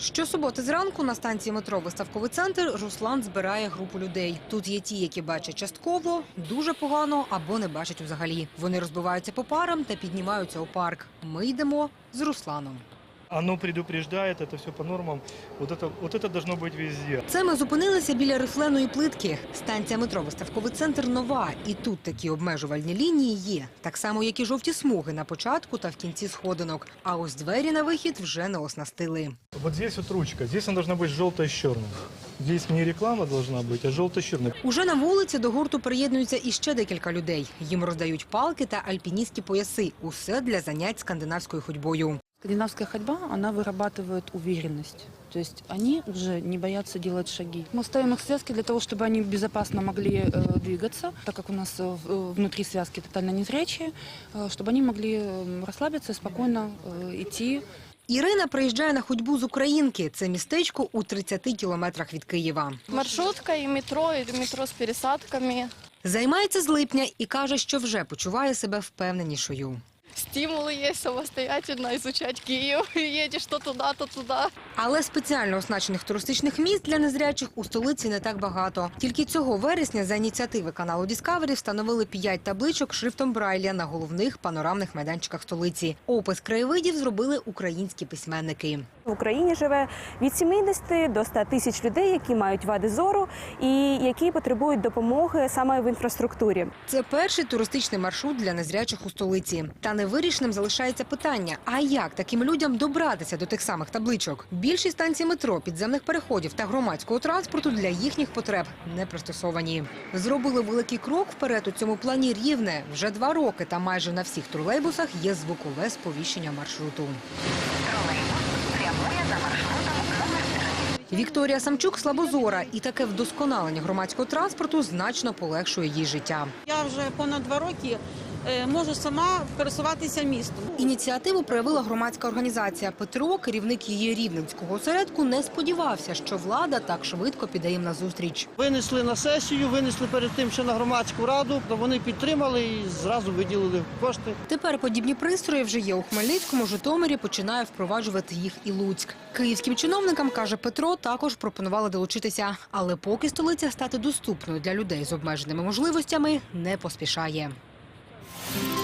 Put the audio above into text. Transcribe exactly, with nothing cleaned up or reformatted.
Щосуботи зранку на станції метро «Виставковий центр» Руслан збирає групу людей. Тут є ті, які бачать частково, дуже погано або не бачать взагалі. Вони розбиваються по парам та піднімаються у парк. Ми йдемо з Русланом. Оно предупреждает, это все по нормам. Вот это, вот это должно быть везде. Це ми зупинилися біля рифленої плитки. Станція метро «Виставковий центр» нова. І тут такі обмежувальні лінії є. Так само, як і жовті смуги на початку та в кінці сходинок. А ось двері на вихід вже не оснастили. Вот здесь вот ручка. Здесь она должна быть желтая с черным. Здесь не реклама должна быть, а желто с черным. Уже на вулиці до гурту приєднуються іще декілька людей. Їм роздають палки та альпіністські пояси. Усе для занять скандинавською ходьбою. Скандинавская ходьба, она вырабатывает уверенность. То есть они уже не боятся делать шаги. Мы ставим их в связки для того, чтобы они безопасно могли э, двигаться, так как у нас э, внутри связки тотально незрячие, э, чтобы они могли э, расслабиться и спокойно э, идти. Ірина приїжджає на ходьбу з Українки. Це містечко у тридцяти кілометрах від Києва. Маршрутка і метро, і метро з пересадками. Займається з липня і каже, що вже почуває себе впевненішою. Стимули є самостоятельно изучать Київ. Їдеш то туди, то туди. Але спеціально оснащених туристичних місць для незрячих у столиці не так багато. Тільки цього вересня за ініціативи каналу Discovery встановили п'ять табличок шрифтом Брайля на головних панорамних майданчиках столиці. Опис краєвидів зробили українські письменники. В Україні живе від сімдесяти до ста тисяч людей, які мають вади зору і які потребують допомоги саме в інфраструктурі. Це перший туристичний маршрут для незрячих у столиці. Та невирішеним залишається питання, а як таким людям добратися до тих самих табличок? Більшість станцій метро, підземних переходів та громадського транспорту для їхніх потреб не пристосовані. Зробили великий крок вперед у цьому плані Рівне. Вже два роки та майже на всіх тролейбусах є звукове сповіщення маршруту. Вікторія Самчук слабозора, і таке вдосконалення громадського транспорту значно полегшує їй життя. Я вже понад два роки можу сама пересуватися містом. Ініціативу проявила громадська організація «Петро». Керівник її рівненського осередку не сподівався, що влада так швидко піде їм назустріч. Винесли на сесію, винесли перед тим ще на громадську раду, то вони підтримали і зразу виділили кошти. Тепер подібні пристрої вже є у Хмельницькому, Житомирі, починає впроваджувати їх і Луцьк. Київським чиновникам, каже Петро, також пропонували долучитися. Але поки столиця стати доступною для людей з обмеженими можливостями не поспішає. Thank you.